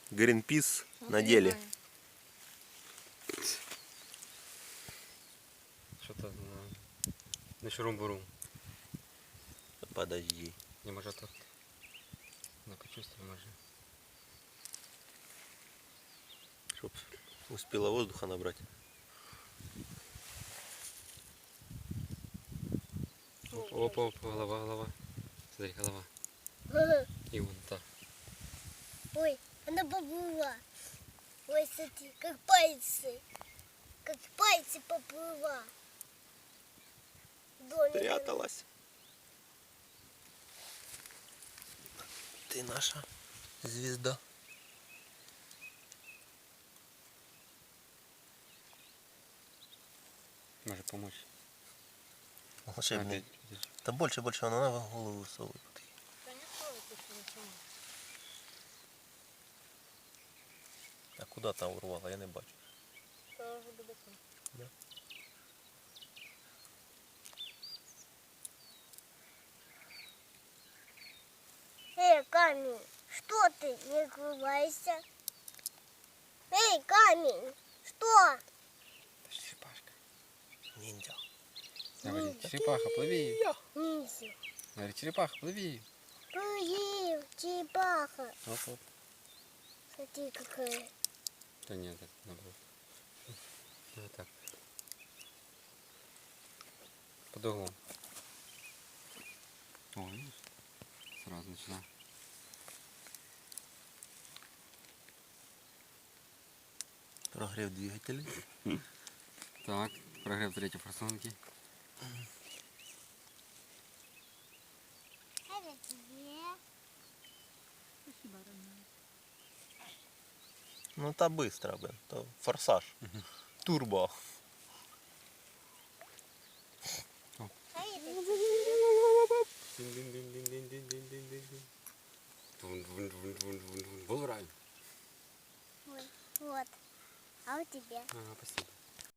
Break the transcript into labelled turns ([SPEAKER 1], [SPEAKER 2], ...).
[SPEAKER 1] Гринпис на деле.
[SPEAKER 2] Что-то на шурум-бурум.
[SPEAKER 1] Подожди.
[SPEAKER 2] Не может тут. Ну-ка чувствую, может.
[SPEAKER 1] Чтоб успела воздуха набрать.
[SPEAKER 2] Оп, голова. Смотри, голова. И вон та.
[SPEAKER 3] Ой, она поплыла. Ой, смотри, как пальцы. Как пальцы поплыла.
[SPEAKER 1] Пряталась. Ты наша звезда.
[SPEAKER 2] Может помочь.
[SPEAKER 1] Волшебник. Да больше, она на голову высовывает. А куда там урвала? Я не бачу. Да.
[SPEAKER 3] Эй, камень, что ты? Не открывайся. Эй, камень, что?
[SPEAKER 2] Черепашка.
[SPEAKER 1] Ниндзя.
[SPEAKER 2] Говори, черепаха, плыви.
[SPEAKER 3] Ниндзя.
[SPEAKER 2] Говори, черепаха, плыви.
[SPEAKER 3] Плыви, черепаха.
[SPEAKER 2] Оп.
[SPEAKER 3] Смотри, какая.
[SPEAKER 2] Да нет, это наоборот. Вот так. Под углом. О, видишь? Сразу начинаю.
[SPEAKER 1] Прогрев двигателей.
[SPEAKER 2] Так, прогрев третьей форсунки.
[SPEAKER 3] Это тебе.
[SPEAKER 1] Ну та быстро, блин. То форсаж. Турбо.
[SPEAKER 3] А это тебе.
[SPEAKER 2] Дин-дин-дин-дин-дин-дин-дин-дин. Был рай.
[SPEAKER 3] Вот. А у тебя?
[SPEAKER 2] Ага, спасибо.